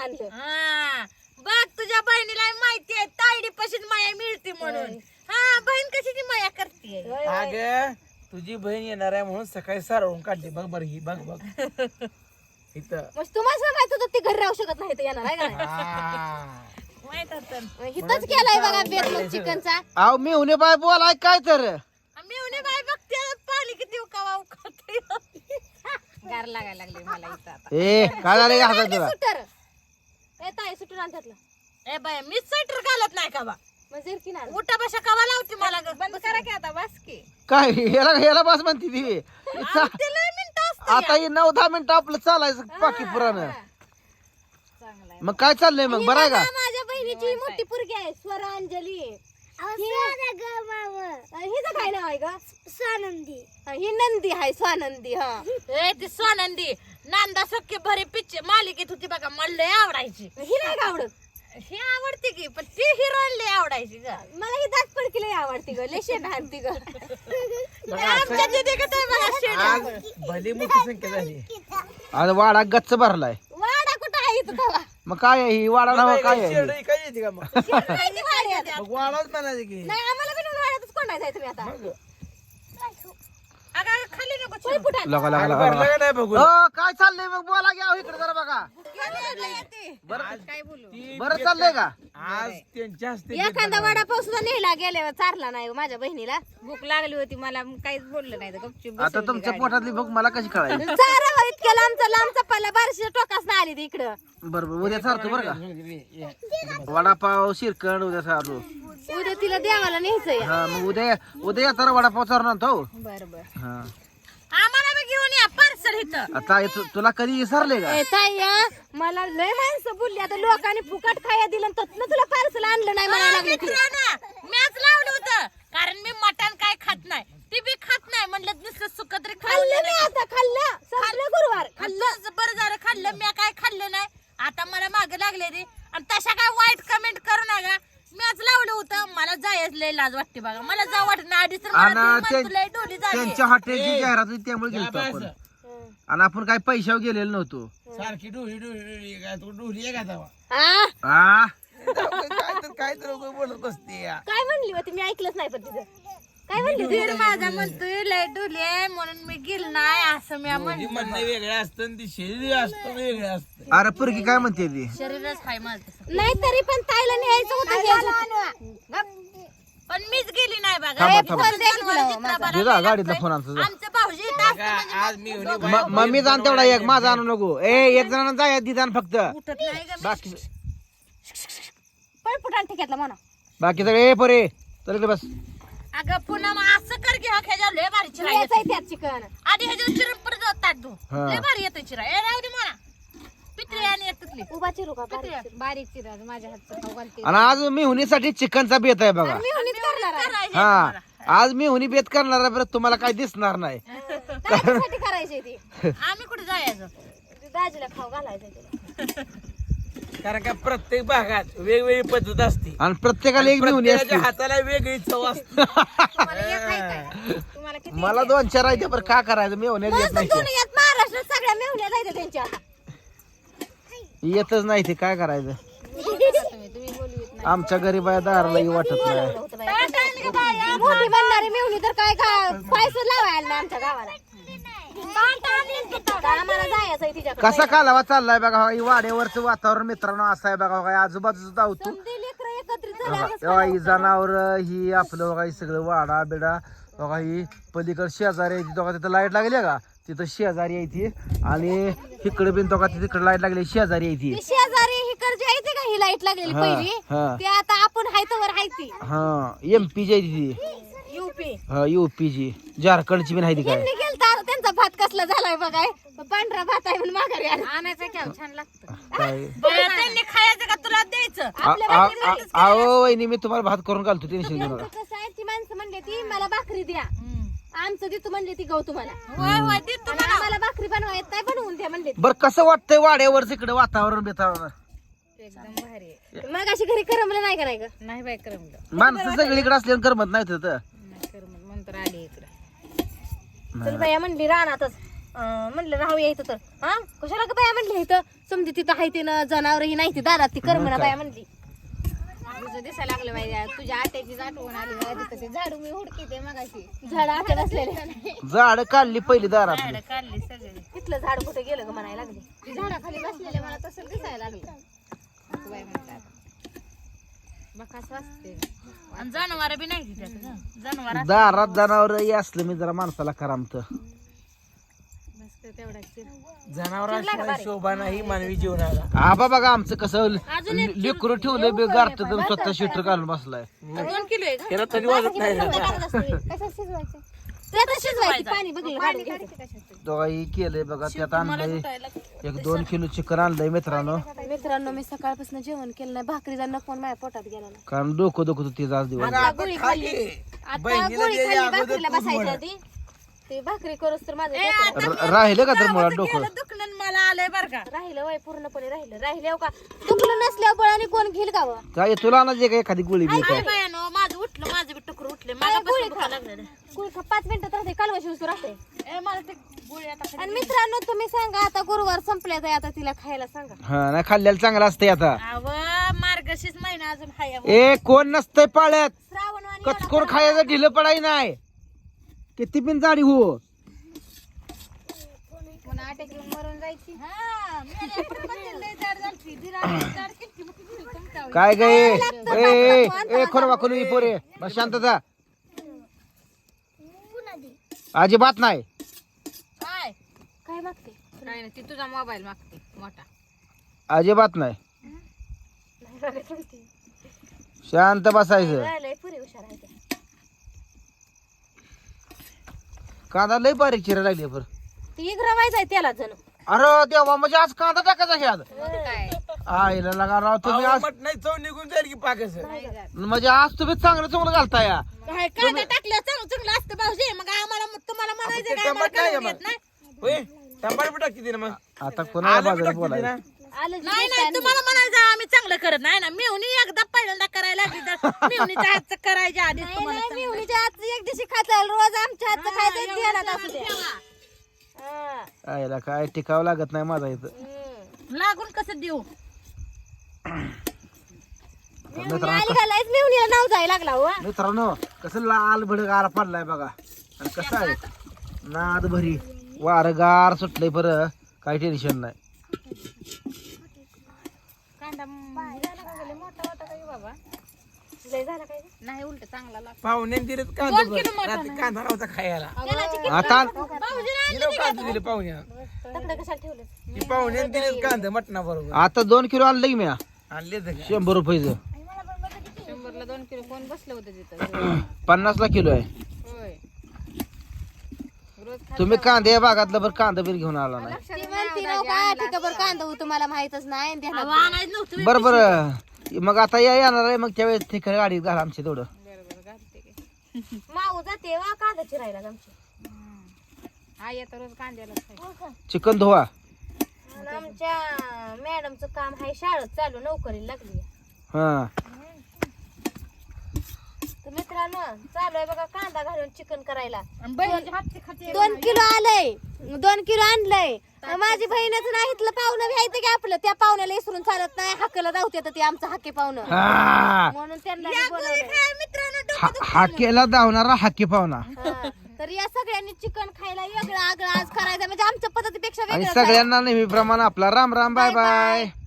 आणलं. हा बघ तुझ्या बहिणीला माहिती आहे तायडी पशीच माया मिळते म्हणून. हा बहीण कशाची माया करते. अगं तुझी बहीण येणार आहे म्हणून सकाळी सारवून काढली बघ बरं ही बघ बघ इथं. मग तुम्हाला माहित होतं ती घरी राहू शकत नाही तर येणार आहे का नाही? माहित होतं हिथंच केलाय बघा बेत मग चिकनचा. अहो मी हुने बाय बोलाय काय तर आम्ही उन्हे बाय बघते पाणी किती उकावा उकळतोय. गार लागायला लागले मला इथं आता. ए काय झालं का हातात तुला सुटर ए ताई सुटर आण त्यातलं. ए बाय मी स्वेटर घालत नाही का बा. मग जर्की ना उठा बशा कवा लावते मला ग. बंद करा की आता बस की. काय ह्याला बस म्हणते ती ते लय मिनिटं असतं. आता ही 9-10 मिनिटं आपलं चालायचं पाकी पुरानं. चांगलाय. मग काय चाललंय मग बरं आहे का? माझ्या बहिणीची मोठी पोरगी आहे स्वरांजली. हिचं काय नाव आहे ग? स्वानंदी. ही नंदी आहे स्वानंदी. हा ए ती स्वानंदी नांदा सख्खे भरे पिक्चर मालिकेत होती बघा मला लय आवडायची. ही नाही का आवडत? ही आवडते की पण ती हिरोईन लय आवडायची ग. मला ही दात पडकी लय आवडती ग. लय शेण हाणती ग. आमच्या तिथे कसं आहे बघा शेड. आज भली मोठी संख्या झाली. आज वाडा गच्च भरलाय. वाडा कुठं आहे इथं तवा? मग काय आहे ही वाडा नाव काय आहे? शेरडं काय येते का मग? माहिती वाड्यात. मग वाढाच म्हणायचं की नाही आम्हाला बिन वाड्यातच कोंडायचं आहे तुम्ही आता. मग अगं खाली नको होय पुढं. लगा लगा आज लगा भरलं का नाही बघू काय चाललंय मग बोला घ्या इकडे जरा बघा. काय बोलू. बरं चाललंय का? आज त्यांच्या हस्ते एखादा वडापाव सुद्धा नेला गेल्यावर चारला नाही माझ्या बहिणीला. भूक लागली होती मला काहीच बोललं नाही. गपचूप आता तुमच्या पोटातली भूक मला कशी कळायची? चारा इतक्या लांबचा पल्ला बारशीच्या टोकास ना आली ती इकडं. बरोबर उद्या सारतो बरं का? वडापाव शिरकण उद्या सारू. उद्या तिला देवाला न्यायचंय. हा मग उद्या येताना वडापाव चारून आणतो. बरोबर. हा आम्हाला बी घेऊन या पार्सल इथं. आता तुला कधी विसरले का? ताई मला लय माणसं बोलली आता लोकांनी फुकट खाया दिलं तत्न तुला पार्सल आणलं नाही म्हणायला लागले ती. मॅच लावलं होतं कारण मी मटण काय खात नाही ती बी खात नाही म्हणलं नुसतं सुक तरी खाल्लं मी आता खाल्लं संपलं गुरुवार. खाल्लं बरं झालं खाल्लं मी काय खाल्लं नाही. आता मला माग लागले रे आणि तशा काय वाईट कमेंट करू नका. मॅच लावलं होतं मला जायच लय लाज वाटते बघा. मला जा वाटत नाही आधी तर लय डोली झाली. त्यांच्या हॉटेलची जाहिरात होती त्यामुळे गेलो आपण. आणि आपण काय पैशावर गेलेलो नव्हतो. सारखी डोली काय तू डोली आहे का तेव्हा? हा? काय तर बोलत बसते या. काय म्हणली होती मी ऐकलंच नाही पण तिचं. काय म्हणली होती? दीड माझा म्हणतोय लय डोली आहे म्हणून मी गेल नाही असं मी तुझी म्हणणं वेगळं असतं आणि ती शरीर असतं वेगळं असतं. अरे पुरगी काय म्हणते ती? शरीरच हाय माझं. नाही तरी पण ताईला न्यायचं होतं. पण मीच गेली नाही बघा. थांबा, हे थांबा. फोन द्यायला जित्राबाला दे जा, गेला गाडीतला असतोय. फोन आणतो जा. आमचं भाऊजी इथं असतं म्हणजे आज मी होणी मग मी जाण तेवढा एक माझा आणू नको. एक जणांना जाय दिदान फक्त. उठत नाही का मी. बाकी पळपुटान ठिकातला म्हणा. बाकी सगळे परे तर इकडे बस. अगं पुन्हा मग असं कर की ह्याच्यावर लय भारी चिरा यायचंय येते. त्यात चिकन. आधी ह्याच्यावर चिरून परत ताट धु. हा. लय भारी येतोय चिरा. ए राहू दे म्हणा पित्री आणि येतली. उभा चिरू का बारीक चिरा माझ्या हातचं खाऊ घालते. आणि आज मी हुनीसाठी चिकनचा बेत आहे बघा. मी हुनीच करणार आहे. हा आज मी हुनी बेत करणार आहे बरं तुम्हाला काय दिसणार नाही. त्याच्यासाठी करायची ती. आम्ही कुठे जायचं. दाजीला खाऊ घालायचं तिला. कारण का प्रत्येक भागात वेगवेगळी पद्धत असते. आणि प्रत्येकाला एक मी हुनी असते. प्रत्येकाच्या हाताला वेगळी चव असते. तुम्हाला एक आहे काय? तुम्हाला किती? मला 2-4 आहे बरं का करायचं मी हुन्यात येत नाही ते. दुनियात महाराष्ट्रात सगळ्या मेहुण्या जायचं त्यांच्या. येतच नाही ते काय करायचं. तुम्ही बोलवीत नाही. आमच्या गरीबाया दारालाही वाटत नाही. मोठी बनणारी मेहुणी तर काय पैसे लावायला नाही आमच्या गावाला. आम्हाला जायचंय तिच्याकडे. कसा कालावा चाललाय बघा ही वाड्यावरचं वातावरण मित्रांनो असं आहे बघा. बघा आजूबाजूचं धावतो समधी लेकरं एकत्रित झाल्यावर तेव्हा ही जनावर ही आपलं बघा ही सगळं वाडा बिडा बघा ही पलीकडे शेजारी आहे बघा तिथं लाईट लागली का तिथं शेजारी आहे ती. आणि इकडे बिन तो का तिकडे लाईट लागली शेजारी आहे ती. ती शेजारी हिकडची आहे ती का ही लाईट लागलेली हा, पहिली हा. ती आता आपण हाय तवर हाय ती. हा एमपी ची आहे ती. युपी. हा युपी ची झारखंडची बिन आहे ती काय. यांनी गेलता त्यांचा भात कसला झालाय बघाय. पांढरा भात आहे म्हणून माघारी आला. आणायचं काय छान लागतं. काय त्यांनी खायचं का तुला द्यायचं. अहो वहिनी मी तुम्हाला भात करून घालतो टेन्शन घेऊ नका. कसं आहे ती माणसं म्हणले ती मला भाकरी द्या आमचं देतो म्हणले ती गहू तुम्हाला. होय होय देतो आणि आम्हाला भाकरी बनवा येत नाही बनवून द्या म्हणले. बरं कसं वाटतंय वाड्यावर इकडे वातावरण बितावरण. एकदम भारी आहे. मग अशी घरी करमलं नाही का नाही ग. नाही बाय करमलं. माणसं सगळीकडे असल्यानं करमत नाही तिथं. नाही करमलं म्हणून तर आली इकडे. चल बाया म्हणली रानातच म्हणलं राहूया इथं तर हा कशाला का बाया म्हणली इथं समजी तिथं आहे ते ना जनावर ही नाही ती दारात ती करमना बाया म्हणली तुझं दिसायला लागलं माहिती तुझ्या आट्याची आठवण आली तिथं ते झाडू मी हुडकीते मगाशी झाड आट्या बसलेले झाड काढली पहिली दारात झाडं काढली सगळे तिथलं झाड कुठे गेलं ग म्हणायला लागले झाडाखाली बसलेले मला तसं दिसायला लागलं बाय म्हणतात बकास वाजते आणि जनावर बी नाही तिथं जनावर दारात जनावर असलं मी जरा माणसाला करामत बस तेवढाच जनावरांशिवाय शोभा नाही मानवी जीवनाला. आबा बघा आमचं कसं लेकरू ठेवलं बे गारत स्वतः शिटर घालून बसलाय 2 किलो आहे का? त्याला तरी वाजत नाही ना. कसं शिजवायचं ते आता शिजवायचं पाणी बघितलं दोघाही केलंय बघा त्यात आणलंय 1-2 किलो चिकन आणलंय मित्रांनो मित्रांनो मी सकाळपासून जेवण केलं नाही भाकरीचा नकोन माझ्या पोटात गेला नाही कारण डोकं दुखत होती आज दिवस आता गोळी खाली. आता बहिणीला गोळी द्यायच्या खाल्ली अगोदर भाकरीला तूच बसायच्या म्हणा. आधी ते भाकरी करूस तर माझं डोकं राहिलं का तर मुळात डोकं गेलं दुखणं मला आलंय बर का राहिलं वय पूर्णपणे राहिलं का दुखलं नसल्यावर बळाने कोण घेईल का व? काय तुला आणायची का एखादी गोळी बी काय बायानो माझं उठलं माझं बी टुकर उठले मला गोळी बसून लागलं कुळ 5 मिनिटात राहते कालवाशी उचू राहते ए मला ते गोळी आता आणि मित्रांनो तुम्ही सांगा आता गुरुवार संपल्याच आहे आता तिला खायला सांगा हा नाही खाल्ल्याला चांगलं असतंय आता अव मार्गशीर्ष महिना अजून हाय अहो. ए कोण नसतंय पाळ्यात श्रावण वाणी कचकोर खायचं ढिलं पडाय नाही किती पण जाडी हो पुन्हा अटॅक येऊन मरून जायची हा, मेल्या पण बघितलं लय जाड झालती. दिराणी जाड केलती, मग किती दिली तुमच्या? काय गे ए खोरवा खोलू पोरे बस शांतता अजिबात नाही काय काय मागते काय नाही ती तुझा मोबाईल मागते मोठा अजिबात नाही शांत बसायचं राहिलंय पुरी हुशार आहे त्या. कांदा लय बारीक चिरा लागली बरं ती इग्रवायचं आहे त्याला जणू अरे देवा म्हणजे आज कांदा टाकायचा ह्यात काय आईला लगा राव तुम्ही आज मट नाही चव निघून जाईल की पाकच. म्हणजे आज तुम्ही चांगलं घालताय या. काय कांदा टाकलं चांगलं चांगलं असतं भाऊजी मग आम्हाला तुम्हाला म्हणायचं काय आम्हाला टमाट नाही करून मग. देत नाही होय टमाट बी टाकते ना मग. आता कोणाला आलं बी बाजारात टाकते बोलायचं ना. आलं जे नाही दिसायला तुम्हाला म्हणायचं आम्ही चांगलं करत नाही ना मेहुनी एकदा पहिल्यांदा करायला लागली तर मेहुनीच्या हातचं करायच्या आधी नाही, तुम्हाला नाही, मेहुणीच्या हातचं एक दिवशी खाता रोज आमच्या हातचं खायचं ध्यानात असू द्या हा. आईला काय टिकावं लागत नाही माझा इथं हम्म. लागून कसं देऊ मेहुणी आली का लयच मेहुणीला नाव जायला लागला हो मित्रांनो कसं लाल भडक गार पडलाय बघा आणि कसं आहे नाद भरी वार गार सुटलंय बरं काही टेन्शन नाही कांदा मोठा होता का बाबा लय झाला काय नाही उलट चांगला लागतो पाहुण्याने दिले कांदा बरं. रात्री कांदा नव्हता खायला. आता दिलं कांदा दिले पाहुण्या. तकडं कशाला ठेवलं ती पाहुण्याने दिले कांदा मटणा बरोबर आता 2 किलो आणलं की मी आणले तर काय. 100 रुपयाचं 100ला 2 किलो कोण बसलं होतं तिथं 50ला किलो आहे होय रोज तुम्ही कांदे या भागातलं बरं कांदा बिर घेऊन आला नाही ती म्हणती राव काय ठिकाबर कांदा होतो मला माहितच नाही ध्यानात आणायचं नव्हतं बरं बरं मग आता या येणार आहे मग त्यावेळेस ठिकाणी गाडी घाला आमची थोडं माऊ जाते वा कांदा चिरायला आमची आई आता रोज कांद्याला चिकन धुवा आणि आमच्या मॅडमचं काम आहे शाळेत चालू नोकरीला लागली हा तर मित्रांनो चालू आहे बघा कांदा घालून चिकन करायला बहिणीच्या हातची खाते 2 किलो आलंय 2 किलो आणलंय माझी बहीणच नाही इथलं पाहुणं घ्यायचं की आपलं त्या पाहुण्याला इसरून चालत नाही हाकेला जाऊते तर ते आमचं हाके पाहुणं हा. म्हणून त्यांना मी बोलवलंय. मित्रांनो हाकेला धावणारा हाके पाहुणा हा. तर या सगळ्यांनी चिकन खायला वेगळं आगळं आज करायचं म्हणजे आमच्या पद्धतीपेक्षा आणि वेगळं सगळ्यांना नेहमीप्रमाणे आपला राम राम बाय बाय